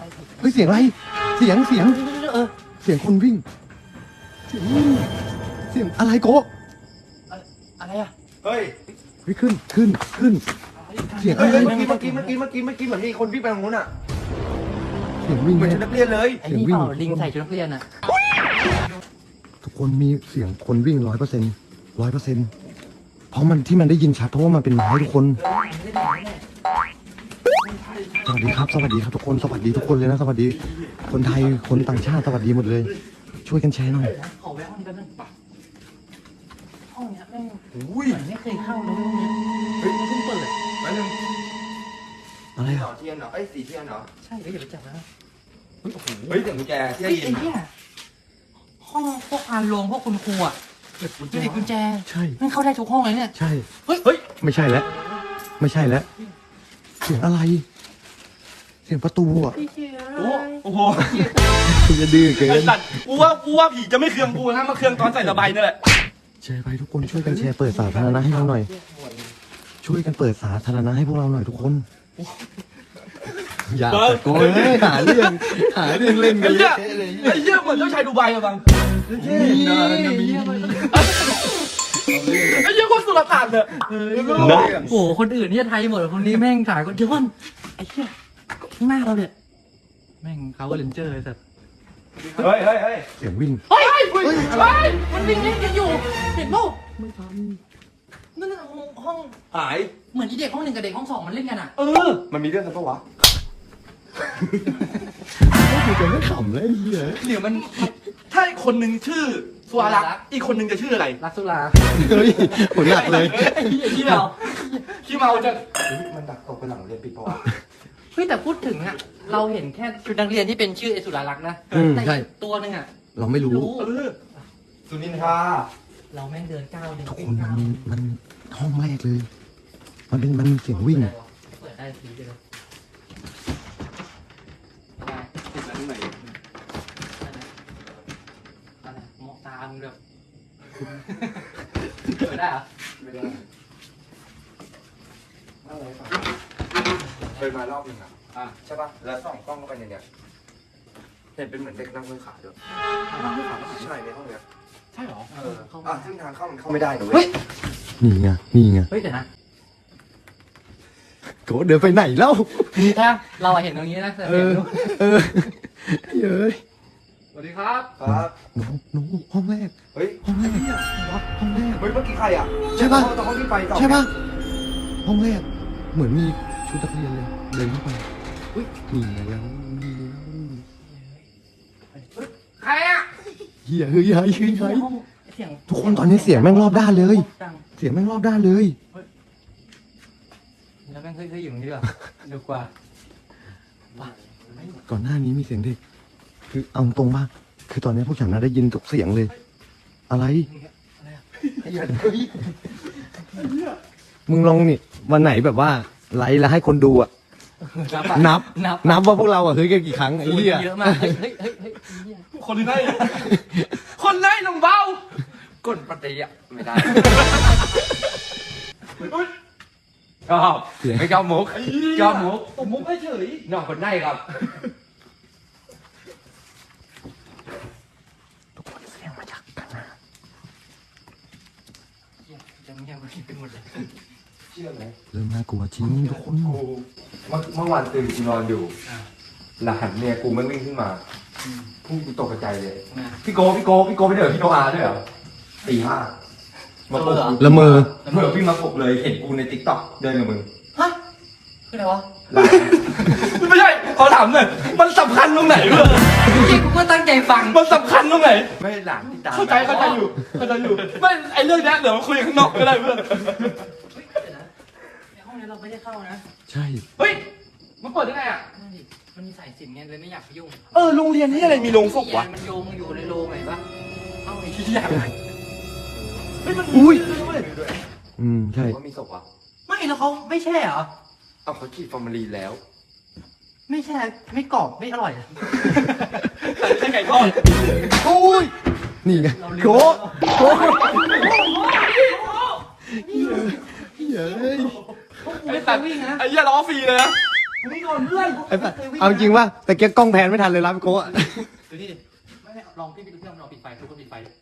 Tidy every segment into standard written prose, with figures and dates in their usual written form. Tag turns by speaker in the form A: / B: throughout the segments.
A: เฮ้ยเสียงอะไรเสียงเสียงคนวิ่งเสียงวิ่งเสียงอะไรโกะ
B: อะไรอ่ะ
C: เฮ้ย
A: เฮ้ยขึ้นเสียงอะไร
C: เมื่อกี้เหมือนมีคนวิ่งไปทางนู้นอ่ะ
A: เสียงวิ่ง
C: เหมือนชุดนักเรียนเลย
B: ไอ้นี่เปล่าลิงใส่ชุดนักเรียนอ่ะ
A: ทุกคนมีเสียงคนวิ่ง100%เพราะมันที่มันได้ยินชัดเพราะว่ามันเป็นไม้ทุกคนสวัสดีครับทุกคนสวัสดีทุกคนเลยนะสวัสดีคนไทยคนต่างชาติสวัสดีหมดเลย ช่วยกันแชร์หน่อย
B: ขอแวะห้องนี้แป๊บนึงห้องเนี้ยแม่ง
C: อุ้ย
B: เหมือนไม่เคยเข้าเลยห้องเนี้ยเฮ้ยมันเพิ่งเปิด
C: แป๊บนึง
A: อะไร
C: ห
A: อ่ะ
C: น่อเทียนเหรอเอ้ยสีเทียนเหรอ
B: ใช่อย่าไปจับนะ
C: เฮ้ยเสียงกุญแจเทียน
B: เฮ้ยไอ้เนี่ยห้องพวกพานโรงพวกคุณครูอ่ะดูดิกุญแจ
A: ใช่
B: ไม่เข้าได้ทุกห้องเลยเนี่ย
A: ใช่
B: เฮ้ย
A: ไม่ใช่แล้วเสียงอะไรเสียงประตูอ่ะ
C: โอ้โห
A: อย่าดื้อเกิ
D: ไอ้
A: น
D: สัตว์กูว่าผีจะไม่เคืองกูนะมาเคืองตอนใส่ระบายนี่แหละ
A: แชร์ไปทุกคนช่วยกันแชร์เปิดสาธารณะให้เราหน่อย ช่วยกันเปิดสาธารณะให้พวกเราหน่อยทุกคนอย่าตะโกนเลยหาเรื่องเล่นกันเละเทะเลย
D: ไอ้เหี้ยเหมือนเจ้าชายดูไบอะบัง ไอ้เหี้ยคนสุรต่านเนี่ย
B: โอ้โหคนอื่นเนี่ยไทยหมดคนนี้แม่งขายคนเดียวกันไอ้เหี้ยข้างหน้าเราเนี่ยแม่งเขาก็เลนเจอร์ไอ้สัตว์
C: เฮ้ย
A: เสียงวิ่ง
B: เฮ้ยมันวิ่งเล่นกันอยู่เห็นป่ะไม่ทันนั่นน่ะห้อง
C: หาย
B: เหมือนที่เด็กห้องหนึ่งกับเด็กห้องสองมันเล่นกันอ่ะ
C: มันมีเรื่องกันปะวะ
A: กูจะไม่ขำเลยเหี้ย
D: เดี๋ยวมันถ้าอีกคนหนึ่งชื่อสุวารักษ์อีกคนหนึ่งจะชื่ออะไร
B: รักสุรา
A: เฮ้ยผมหนักเลย
B: ไอ้เหี้ยขี้เมา
D: ขี้เมาจะ
C: มันดักตกไปหลังเรียนปิดปะวะ
B: เฮ้ยแต่พูดถึงอ่ะเราเห็นแค่ชุดนักเรียนที่เป็นชื่อไอ้สุรารักษ์นะแต่
A: ใช่
B: อีกตัวหนึงอ่ะ
A: เราไม่รู้
C: สุนินทา
B: เราแม่งเดินก้าวเดิน
A: ทุกคนมันห้องแรกเลย มันมีเสียงวิ่ง
B: เปิดได้ทีเดียว
D: ติดอะไรข้างใน
B: อะไรมองตามึงแบบเปิดได้เหรอ
C: ไม่ได้เคยมารอบนึงอ่ะใช่ป่ะแล้วส่องกล้องเข้าไปในเนี้ยเห็นเป็นเหมือนเด็กนั่งห้อยขาด้วยนั่งห้อยขาใช่ในห้องเนี้ย
B: ใช่เหรอ
C: ซึ่งทางเข้ามันเข้าไม่ได้หนู
B: เฮ้ย
A: นี่ไง
B: เฮ้ยเดี๋ยวนะ
A: โกเดินไปไหนแล้ว
B: ถ้าเราเห็นตรงนี้นะแต่
A: เอ
B: เห็น
A: อ
B: ดู
A: เฮ้ย
D: สวัสดีครับ
C: ครับ
A: หนูห้องแรก
C: เฮ้ย
A: ห้องแรก
C: เฮ้ยเมื่อกี้ใครอ่ะ
A: ใช่ป่ะ
C: ตอนห้องที่ไฟส่อง
A: ใช่ป่ะ ห้องแรก เหมือนมีชุดนักเรียนเลย เดินเข้าไปอุ้ยนี่ไงแล้ว
D: ใครอะ
A: เฮียเฮ้ย
B: ห้องเสียง
A: ทุกคนตอนนี้เสียงแม่งรอบด้านเลย
B: ดัง
A: เสียงแม่งรอบด้านเลย
B: แล้วแม่งเฮ้ยอยู่ตรงนี้ดีกว่าดีกว่า
A: ก่อนหน้านี้มีเสียงเด็ก คือเอาตรงป่ะคือตอนนี้พวกฉันน่ะได้ยินทุกเสียงเลย อะไร มึงลองนี่วันไหนแบบว่าไลฟ์แล้วให้คนดูอ่ะ นับว่าพวกเราอ่ะเฮ้ยกันกี่ครั้งไอ้เหี้ย
B: เยอะมากเฮ้ย
D: คนไหนคนไหนน้องเบาก
C: ดปฏิอ่ะไม่ได้
D: ชอบ
C: ไม่ชอบมุกชอบมุก
D: ผมมุกให้เฉย
C: น้องคนไหนครับ
A: ทุกคนเสียงมาจากกันนะ
B: จะเงียบไปหมดเลย
C: เชื่อไหม
A: เริ่มน่ากลัวจริงทุกคน
C: เมื่อวานตื่นกูนอนอยู่หลานเนี่ยกูไม่วิ่งขึ้นมากูตกใจเลยพี่โกไปเดี๋ยวพี่โนอาด้วยเหรอตีห้ามาปลุก
A: ละเมอ
C: เมื่อพี่มาปลุกเลยเห็นกูในติ๊กต็อกเดินกับมึง
B: ฮะคืออะไรวะ
D: ไม่ใช่ขอถามหน่อยมันสำคัญตรงไหนเพื่อน
B: จริงกูก็ตั้งใจฟัง
D: มันสำคัญตรงไหน
C: ไม่หลานที่ตาม
D: เข้าใจอยู่ไม่ไอเรื่องนี้เดี๋ยวมาคุยข้างนอกก็ได้เพื่อน
B: เดี๋ยวนะในห้องนี้เราไม่ได้เข้านะ
A: ใช่
D: เฮ้ยมันเปิดได้ไงอ่ะ
B: นั่นดิมันมีสายสิญจนไงเลยไม่อยากไปยุ่ง
D: โรงเรียนนี่อะไรมีโรงศพวะ
B: มันโยงอยู่ในโรงไหนปะเอาไอ้
D: ที่อยากเฮ้ยมัน
A: อุ้ยใช่
C: ว่ามีศพอ่ะ
B: ไม่แล้วเขาไม่แช่เหรอ
C: เอาเขาฉีดฟอร์มาลีนแล้ว
B: ไม่แช่ไม่กรอบไม่อร่อย
D: ใช่ไก่ทอด
A: อุ้ยนี่ไงโกเฮ้ย
D: ไอ้ตัด
B: วิ่งนะ
D: ไอ้เหี้ยล้อฟรีเลยนะนี่ก่อนเพื่อน
A: ไอ้สัสเอาจริงว่าแต่เก๊กกล้องแพนไม่ทันเลยรับโก้อะ
B: ดูนี่ดิไม่ลองพี่ไปดูที่ลองปิดไฟทุกคนปิดไฟดิ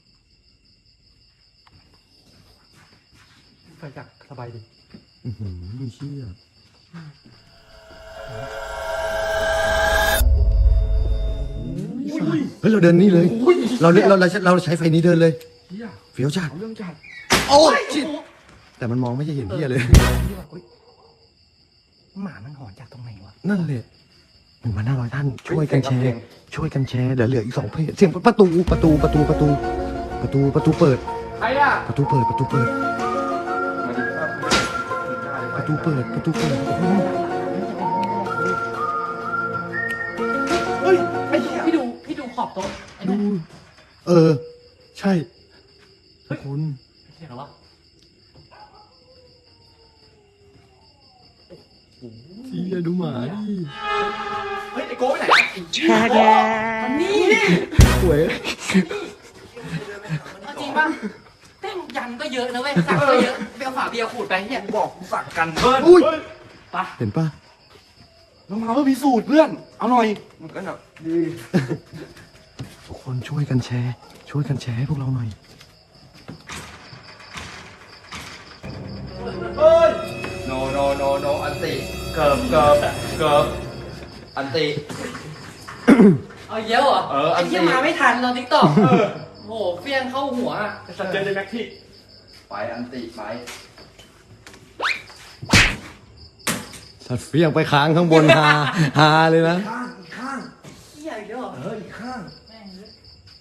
D: ไฟจักสบายดี
A: เชี่ยเฮ้ยเราเดินนี่เลย เราใช้ไฟนี้เดินเลย
D: เฮีย
A: เฟี้ยวจัด
D: เอาเรื่องจัด
A: โอ้ยชิดแต่มันมองไม่ใช่เห็นเพี้ยเลย
B: หมามันหอนจากตรงไหนวะ
A: นั่นแหละ1,500 ท่าน ช่วยกันแชร์ ช่วยกันแชร์เดี๋ยวเหลืออีก2เพจเสียงประตูเปิด
D: ใครอ่ะ
A: ประตูเปิด
C: มาดิครับ
A: โอ้โห
D: เฮ้ยไอ้เหี้ย
B: พี่ดูขอบโต๊ะไอ้
A: ดู
B: นั่น
A: ใช่ทุกคน
B: เห็นหรอวะ
A: เชี่ยดูหมาดิ
D: เฮ้ยไอ้โก้ไปไหนอะ
B: มันนี่
A: สวย
B: เอาจริงป่ะเต้นยันก็เยอะนะเว้ยสักก็เยอะไปเอาฝาเบียร์ขูดไปเฮีย
D: บอกกูสั่งกันเพื่อน
A: อุ้ย
B: ไป
A: เห็นปะ
D: ลงมาเพื่อพิสูจน์เพื่อน เอาหน่อย
C: มันก็แบบดี
A: ทุกคนช่วยกันแชร์ ช่วยกันแชร์ให้พวกเราหน่อย
D: เฮ้ย
C: โนอันติเกิบอันติ
B: เอาเยอะเหรอ
C: เอออั
B: ไอ้
C: นนี้
B: เหี้ยมาไม่ทันตอนทิกตอกโอ้โหเฟี้ยงเข้าหัวอะ
D: สัตว์เจนเดแม็กที่
C: ไปอันติไป
A: สัตว์เฟี้ยงไปค้างข้างบนฮาเลยนะ
C: ข้าง
B: เหี้ยอีกแล้วเหรอ
C: อีกข้าง
B: แม่งเลย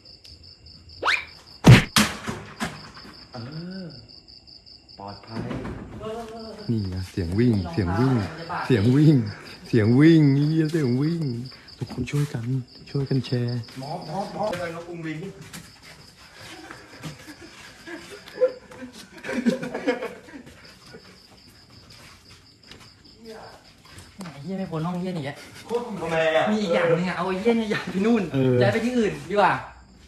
C: ปลอดภัย
A: นี่ไงเสียงวิ่ง เสียงวิ่ง เสียงวิ่งทุกคนช่วยกันแชร์
C: หมอเลยนกกรุงลิง
B: ไอ้เหี้ยไม่พ้นห้องเหี้ยนี่แก
C: ทำไมอ่ะ
B: มีอีกอย่างหนึงอะเอาไอ้เหี้ยเนี่ยย้ายไปนู่น
A: เออ
B: ย้ายไปที่อื่นดีกว่า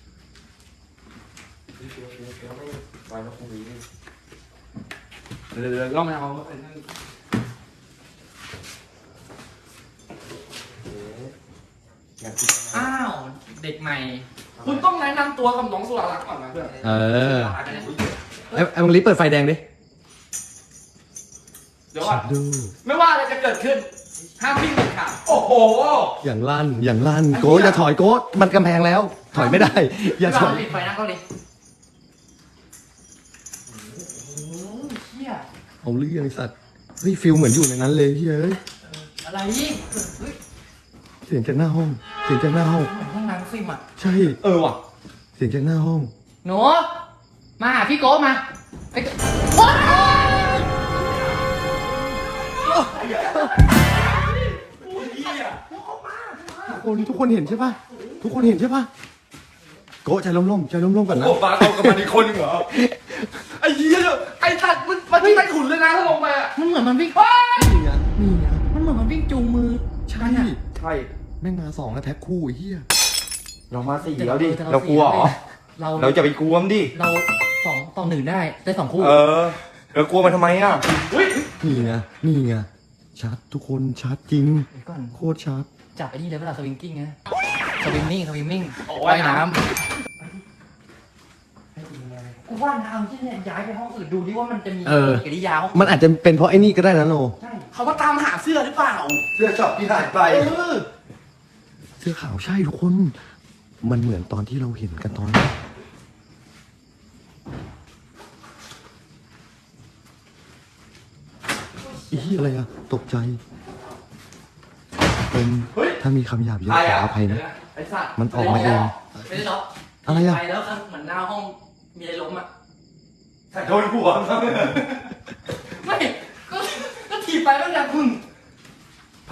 C: ไปนกกรุงลิง
D: เดี๋ยวลองไปเอาไอ้นั่น
B: อ้าวเด็กใหม่
D: คุณต้องแนะนำตัวกับน้องสุรารักษ์ก่อนนะเพื่อน
A: ไอ้มังลีเปิดไฟแดงดิ
D: เดี๋ยวก่อน
A: ดู
D: ไม่ว่าอะไรจะเกิดขึ้น ห้ามวิ่งเด็ดขาดโอ้โห
A: อย่างลั่นโก้อย่าถอยโก้มันกำแพงแล้ว ถอยไม่ได้ อย่าถอย
B: ปิดไฟนะเกาหลีโอ้โหเหี้ย
A: เอาเรื่องไอ้สัตว์เฮ้ยฟิลเหมือนอยู่ในนั้นเลยเฮ้ย
B: อะไรนี่เฮ้ย
A: เสียงจากหน้าห้อง
B: เหมือนห้องน้ำฟิล์มอะ
A: ใช่
C: ว่ะ
A: เสียงจากหน้าห้อง
B: หนูมาหาพี่โก้มาไปโอ๊ย
A: ทุกคนเห็นใช่ปะทุกคนเห็นใช่ปะโก้ใจร่มๆก่อนนะ
C: โอ้ปลาเอากับมันอีกคนหนึ่งเหรอ
D: ไอ้เหี้ยไอ้สัตว์มันที่ใต้ขุนเลยนะถ้าลงไปอ่ะ
B: มันเหมือนมันวิ่ง
A: นี่ไง
B: มันเหมือนมันวิ่งจูงมือ
A: ใช่
C: ใช่
A: แม่งมา2แล้วแท็กคู่ไอ้เหี้ย
C: เรามาสี่แล้วดิ เรากลัวเหรอ เราจะไปกลัวมันดิ
B: เรา2-1ได้2 คู่
C: เรากลัวมันทำไมอ่ะ
A: นี่ไงชัดทุกคนชัดจริง
B: เดี๋ยวก่อน
A: โคตรชัด
B: จับไอ้นี่เลยเวลาสวิงกิ้งนะสวิมมิ่ง
D: โอ้ย
B: ว่ายน้ำกูว่าน้ำที่เนี่ยย้ายไปห้องอื่นดูดิว่ามันจะมีกิริยาห้อง
A: มันอาจจะเป็นเพราะไอ้นี่ก็ได้นะโน
B: ใช่
D: เขามาตามหาเสื้อหรือเปล่า
C: เสื้อช็อปที่หายไป
A: เสื้อขาวใช่ทุกคน มันเหมือนตอนที่เราเห็นกันตอนแรกอีอะไรอะตกใจเป็นถ้ามีคำหยาบเยอะขออภัยนะ
D: ไอ้สัตว์
A: มันออกมาเอง
B: ไม่ได้ล็อก
A: อะไรอะ
B: ไปแล้วครับเหมือนหน้าห้องมีอะไรล้มอ่ะ
C: โดนหัว
B: ไม่ก็ถีบไปแล้วอย่างพึ่ง
A: ไป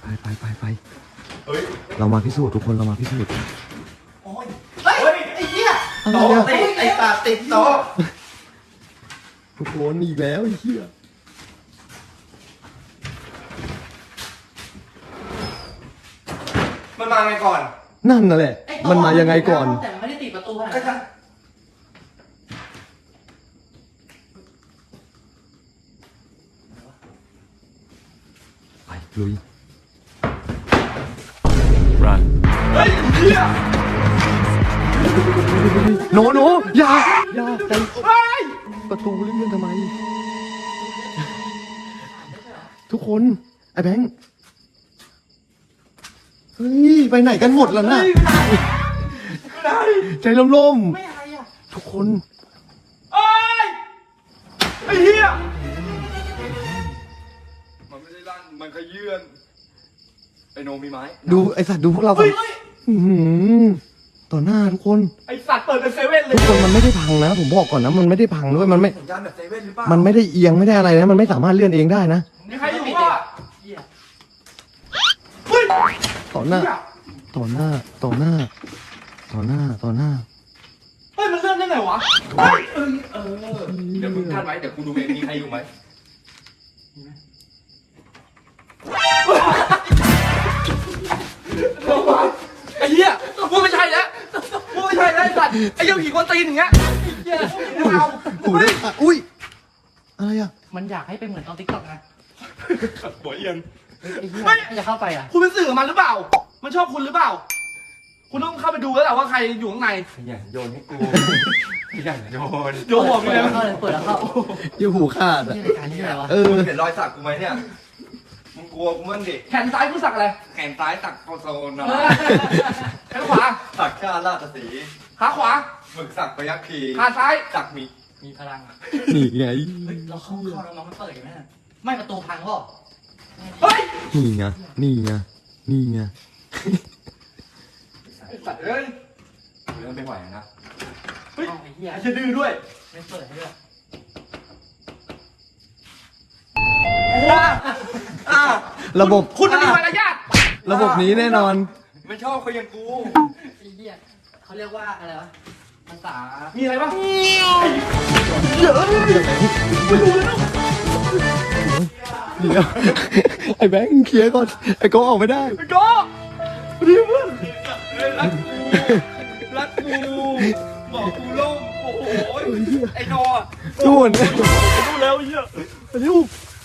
A: เรามาพิสูจน์ทุกคนเรามาพิสูจน์
B: โอ้ยเฮ้ยไอ้เหี้ย
A: อะไร
C: โต๊ะ
A: อะ
C: ติดไอ้ตาติดโต๊ะ
A: ทุกคนอีกแล้วไอ้เหี้ย
C: มันมาไงก่อน
A: นั่นน่ะแหละ
B: ไอ้
A: มันมายังไงก่อน
B: แต่ไม่ได้ติดประตูขนาด
C: ก็จะ
B: นั้น
A: ไปลุย
E: Run.
D: เฮ้ยเฮีย
A: โนอย่าใจ
D: เฮ้ย
A: ประตูเลื่อนทำไม ทุกคนไอ้แบงค์เฮ้ยไปไหนกันหมดแล้วนะใจล่ม
D: ไม่อะไรอ่ะ
A: ๆทุกคน
D: เอ้ยไอ้เฮียมันไม่ได้ลั่นมันขยื่นไอ้โนมีไม้
A: ดูไอสัตว์ดูพวกเราก่อนอื้อหือต่อหน้าทุกคน
D: ไอ้สัตว์เปิดเป็นเซเว่นเลย
A: ทุกคนมันไม่ได้พังนะผมบอกก่อนนะมันไม่ได้พังด้วยมันไม่
C: สัญญาณแบบเซเว่นหรือเปล่า
A: มันไม่ได้เอียงไม่ได้อะไรนะมันไม่สามารถเลื่อนเองได้นะ
D: มีใครอยู่วะ
B: เหี้ย
D: เฮ้ย
A: ต่อหน้า ต่อหน้า ต่อหน้า ต่อหน้า ต่อหน้า
D: เฮ้ยมันเลื่อนได้ไงวะเฮ้ยเดี๋ยวมึงกั้นไว้เดี๋ยวกูดูเองมีใครอยู่ไหมไอ้เหี้ยกูไม่ใช่แล้วกูไม่ใช่แล้วไอ้สัตว์ไอ้เหี้ยผีกวนตีนอย่างเงี้ย
B: เหี้ย
D: ไม่เอา
A: อุ้ยอะไรอ่ะ
B: มันอยากให้เป็นเหมือนตอนติ๊กต็อกนะ
D: หัวเอียง
B: ไอ้เหี้ยจะเข้าไปอ่ะ
D: คุณเป็นสื่อกับมันหรือเปล่า มันชอบคุณหรือเปล่า คุณต้องเข้าไปดูแล้วแหละว่าใครอยู่ข้างใน
C: ขยันโยนให้กูขยันโยน
D: โยนหัวไปเลย
B: เข้าเลยเปิดแล้วเข้า
A: อยู่หูขาดอ่ะ
B: นี่รายการนี้อะไรวะ
C: มึงเห็นรอยสักกูไหมเนี่ยมึงกลัวกูมั้งดิ
D: แขนซ้ายคุณสักอะไร
C: แขนซ้ายสักโคโซนนะ
D: แขนขวา
C: สักชาติราชสีห์
D: ขาขวา
C: หมึกสักพยัคฆ์คี
D: ขาซ้าย
C: สักหมี
B: มีพลังอะ
A: นี่ไง
B: เฮ้ยเราเข้าแล้วน้องมันเปิดอยู่ไหมน่ะไม่ประตูพังเปล่า
D: เฮ้ย
A: นี่ไง นี่ไง นี่ไง
D: ไอ้สัตว์เอ้ย
C: เริ่มไม่ไหวนะ
D: เฮ้ย
B: เอาไอ้เหี้ย
D: ไอ้จะดื้อด้วย
B: ไม่เปิดให้ด้วย
A: ระบบ
D: คุณมันมีมารยาท
A: ระบบนี้แน่นอน
C: ไม่ชอบเขาอย่างกู
B: ไอ้เหี้ยเขาเรียกว่าอะไรวะภาษา
D: มีอะไรบ้าง
A: เดี๋ยว ไอ้แบงค์เคลียร์ก่อน ไอ้โก้ออกไม่ได้
D: ไอ้โก้ดีเพื่อนรักกูบอกกูโล่งโอ้โหไอ้โนอ่ะ
A: นู่น
D: รู้แล้วไอ้เหี้ย
A: เร็ว